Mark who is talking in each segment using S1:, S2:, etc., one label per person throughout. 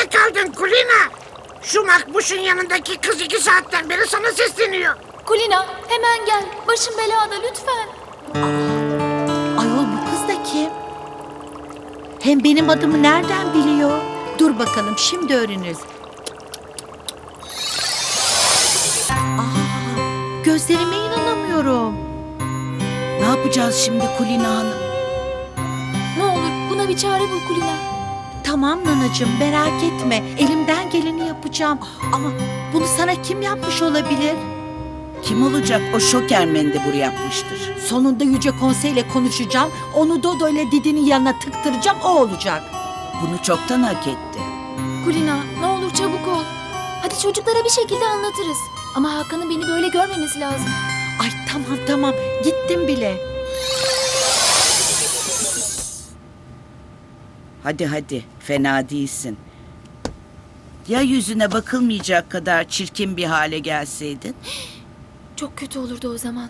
S1: kaldın Kulina? Şu Makbuş'un yanındaki kız 2 saatten beri sana sesleniyor.
S2: Kulina hemen gel. Başım belada lütfen.
S3: Ayol bu kız da kim? Hem benim adımı nereden biliyor? Dur bakalım şimdi öğreniriz. Gözlerime inanamıyorum.
S4: Ne yapacağız şimdi Kulina Hanım?
S2: Ne olur buna bir çare bul Kulina.
S3: Tamam nanacığım merak etme. Elimden geleni yapacağım. Ama bunu sana kim yapmış olabilir?
S4: Kim olacak? O şoker mendebur yapmıştır.
S3: Sonunda Yüce Konsey'le konuşacağım. Onu Dodo ile Didi'nin yanına tıktıracağım. O olacak.
S4: Bunu çoktan hak etti.
S2: Kulina ne olur çabuk ol. Hadi çocuklara bir şekilde anlatırız. Ama Hakan'ın beni böyle görmemesi lazım.
S3: Ay tamam gittim bile.
S4: Hadi fena değilsin. Ya yüzüne bakılmayacak kadar çirkin bir hale gelseydin?
S2: Çok kötü olurdu o zaman.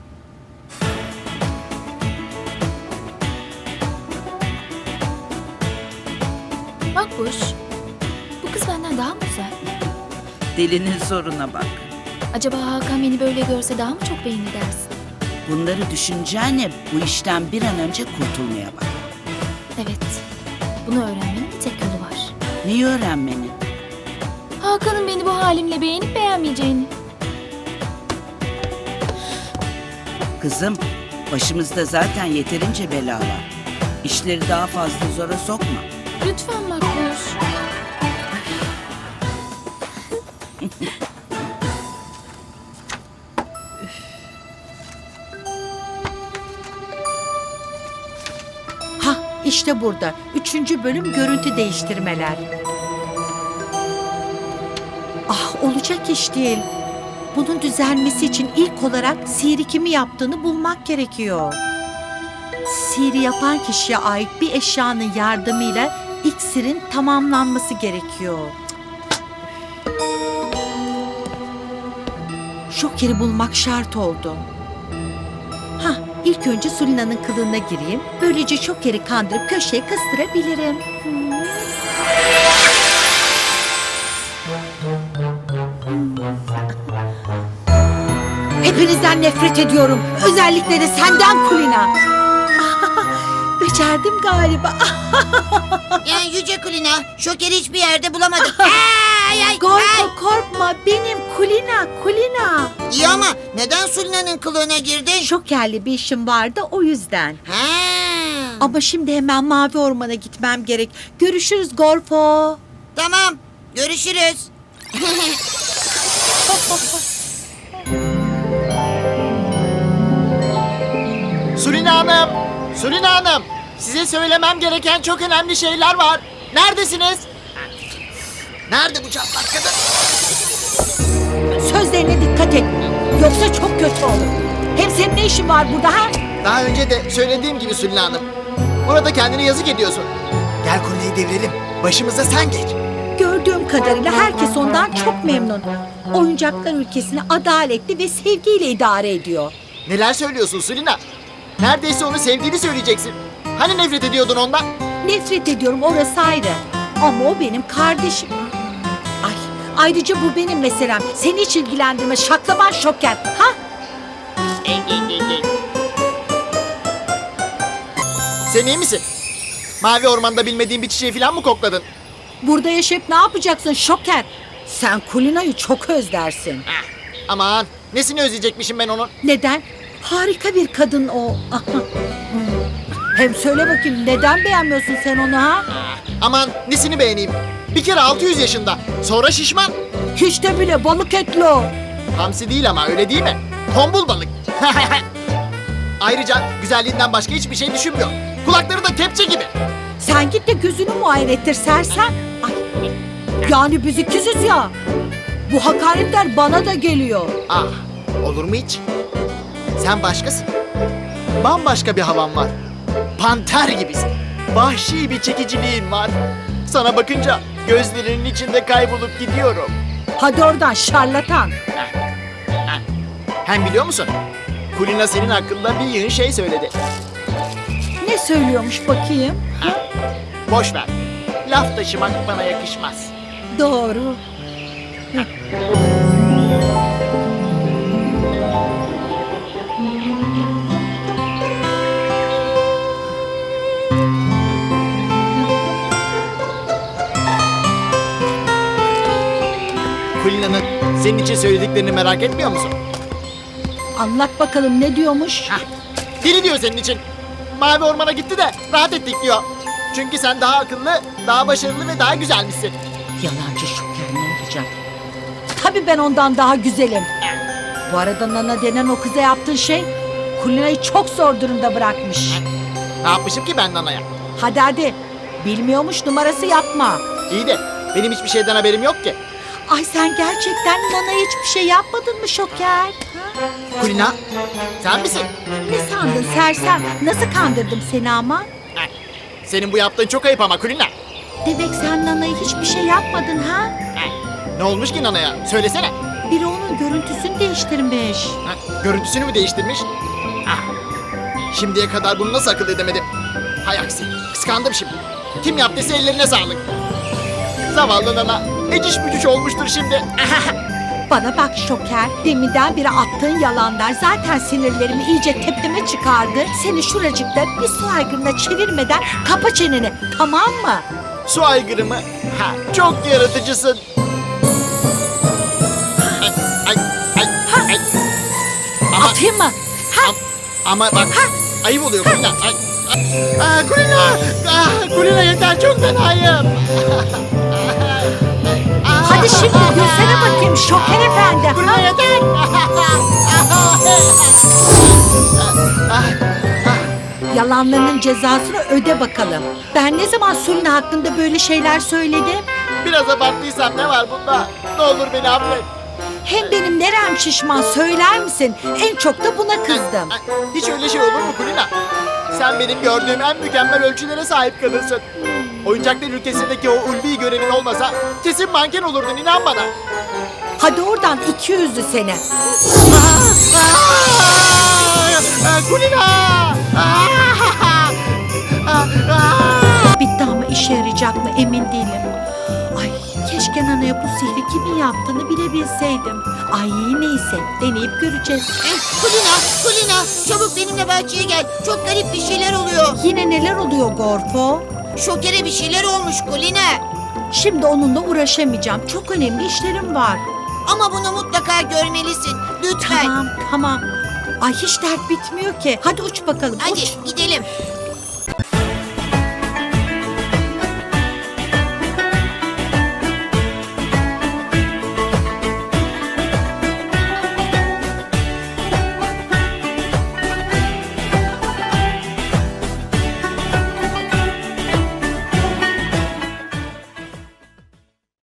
S2: Makbuş, bu kız benden daha mı güzel?
S4: Delinin zoruna bak.
S2: Acaba Hakan beni böyle görse daha mı çok beğenir dersin?
S4: Bunları düşüneceğine bu işten bir an önce kurtulmaya bak.
S2: Evet, bunu öğrenmenin bir tek yolu var.
S4: Neyi öğrenmeni?
S2: Hakan'ın beni bu halimle beğenip beğenmeyeceğini.
S4: Kızım, başımızda zaten yeterince bela var. İşleri daha fazla zora sokma.
S2: Lütfen Makbuş.
S3: Hah işte burada. 3. bölüm görüntü değiştirmeler. Ah olacak iş değil. Bunun düzelmesi için ilk olarak sihiri kimi yaptığını bulmak gerekiyor. Sihiri yapan kişiye ait bir eşyanın yardımıyla iksirin tamamlanması gerekiyor. Şoker'i bulmak şart oldu. Hah, ilk önce Sulina'nın kılığına gireyim. Böylece Şoker'i kandırıp köşeye kıstırabilirim. Hepinizden nefret ediyorum. Özellikle de senden Kulina. Becerdim galiba.
S5: Yani Yüce Kulina, Şoker'i hiçbir yerde bulamadık.
S3: Korkma benim Kulina.
S5: İyi ama neden Sulina'nın kılığına girdin?
S3: Şokerli bir işim vardı o yüzden.
S5: Ha.
S3: Ama şimdi hemen Mavi Orman'a gitmem gerek. Görüşürüz Gorfo.
S5: Tamam, görüşürüz.
S6: Sulina Hanım! Sulina Hanım! Size söylemem gereken çok önemli şeyler var. Neredesiniz? Nerede bu çatlak kadın?
S3: Sözlerine dikkat et. Yoksa çok kötü olur. Hem senin ne işin var burada ha?
S6: Daha önce de söylediğim gibi Sulina Hanım. Burada kendine yazık ediyorsun. Gel kurneyi devirelim. Başımıza sen geç.
S3: Gördüğüm kadarıyla herkes ondan çok memnun. Oyuncaklar ülkesini adaletli ve sevgiyle idare ediyor.
S6: Neler söylüyorsun Sulina? Neredeyse onu sevdiğini söyleyeceksin. Hani nefret ediyordun ondan?
S3: Nefret ediyorum orası ayrı. Ama o benim kardeşim. Ay, ayrıca bu benim meselem. Seni hiç ilgilendirmez şaklaban Şoker. Ha?
S6: Sen iyi misin? Mavi ormanda bilmediğin bir çiçeği falan mı kokladın?
S3: Burada yaşayıp ne yapacaksın Şoker? Sen Kulina'yı çok özlersin.
S6: Aman nesini özleyecekmişim ben onun?
S3: Neden? Harika bir kadın o. Hem söyle bakayım neden beğenmiyorsun sen onu ha?
S6: Aman nesini beğeneyim? Bir kere 600 yaşında. Sonra şişman.
S3: Hiç de bile balık etli o.
S6: Hamsi değil ama öyle değil mi? Tombul balık. Ayrıca güzelliğinden başka hiçbir şey düşünmüyor. Kulakları da kepçe gibi.
S3: Sen git de gözünü muayene ettir sersen. Ay, yani biz ikiziz ya. Bu hakaretler bana da geliyor.
S6: Ah, olur mu hiç? Sen başkasın. Bambaşka bir havan var. Panter gibisin. Vahşi bir çekiciliğin var. Sana bakınca gözlerinin içinde kaybolup gidiyorum.
S3: Hadi oradan şarlatan.
S6: Hem biliyor musun? Kulina senin hakkında bir yığın şey söyledi.
S3: Ne söylüyormuş bakayım?
S6: Boş ver. laf taşımak bana yakışmaz.
S3: Doğru.
S6: Kulina'nın senin için söylediklerini merak etmiyor musun?
S3: Anlat bakalım ne diyormuş?
S6: Deli diyor senin için. Mavi ormana gitti de rahat ettik diyor. Çünkü sen daha akıllı, daha başarılı ve daha güzelmişsin.
S3: Yalancı Şoker ne olacak? Tabii ben ondan daha güzelim. Bu arada Nana denen o kıza yaptığın şey Kulina'yı çok zor durumda bırakmış.
S6: Ne yapmışım ki ben Nana'ya?
S3: Hadi bilmiyormuş numarası yapma.
S6: İyi de benim hiçbir şeyden haberim yok ki.
S3: Ay sen gerçekten Nana'ya hiçbir şey yapmadın mı Şoker?
S6: Kulina, sen misin?
S3: Ne sandın sersem? Nasıl kandırdım seni ama?
S6: Heh, senin bu yaptığın çok ayıp ama Kulina.
S3: Demek sen Nana'ya hiçbir şey yapmadın ha?
S6: Heh, ne olmuş ki Nana'ya? Söylesene.
S3: Biri onun görüntüsünü değiştirmiş.
S6: Heh, görüntüsünü mü değiştirmiş? Ah, şimdiye kadar bunu nasıl akıl edemedim? Hay aksi, kıskandım şimdi. Kim yaptıysa ellerine sağlık. Zavallı Nana, eciş bücüş olmuştur şimdi.
S3: Bana bak Şoker, deminden beri attığın yalanlar zaten sinirlerimi iyice tepeme çıkardı. Seni şuracıkta bir su aygırına çevirmeden kapa çeneni, tamam mı?
S6: Su aygırı mı? Ha, çok yaratıcısın. Ay, ay, ay, ay. Ama,
S3: Atayım mı?
S6: ama bak, ayıp oluyor Kulina. Ay, ay. Aa, Kulina! Kulina yeter, çok fenayım.
S3: Hadi şimdi gülsene bakayım Şoker efendi.
S6: Kulina yeter.
S3: Yalanlarının cezasını öde bakalım. Ben ne zaman Sulina hakkında böyle şeyler söyledim?
S6: Biraz abarttıysam ne var bunda? Ne olur beni affet.
S3: Hem benim nerem şişman söyler misin? En çok da buna kızdım.
S6: Ay, hiç öyle şey olur mu Kulina? Sen benim gördüğüm en mükemmel ölçülere sahip kadınsın. Oyuncaklar ülkesindeki o ulvi görevin olmasa kesin manken olurdun, inan bana.
S3: Hadi oradan 200'lü seni.
S6: Kulina!
S3: Bitti ama işe yarayacak mı emin değilim. Ay keşke Nana'ya bu sihri kimin yaptığını bilebilseydim. Ay neyse deneyip göreceğiz.
S5: Kulina, çabuk benimle bahçeye gel. Çok garip bir şeyler oluyor.
S3: Yine neler oluyor Gorfo?
S5: Şoker'e bir şeyler olmuş Kulina.
S3: Şimdi onunla uğraşamayacağım. Çok önemli işlerim var.
S5: Ama bunu mutlaka görmelisin. Lütfen.
S3: Tamam. Ay hiç dert bitmiyor ki. Hadi uç bakalım
S5: Hadi
S3: uç.
S5: gidelim.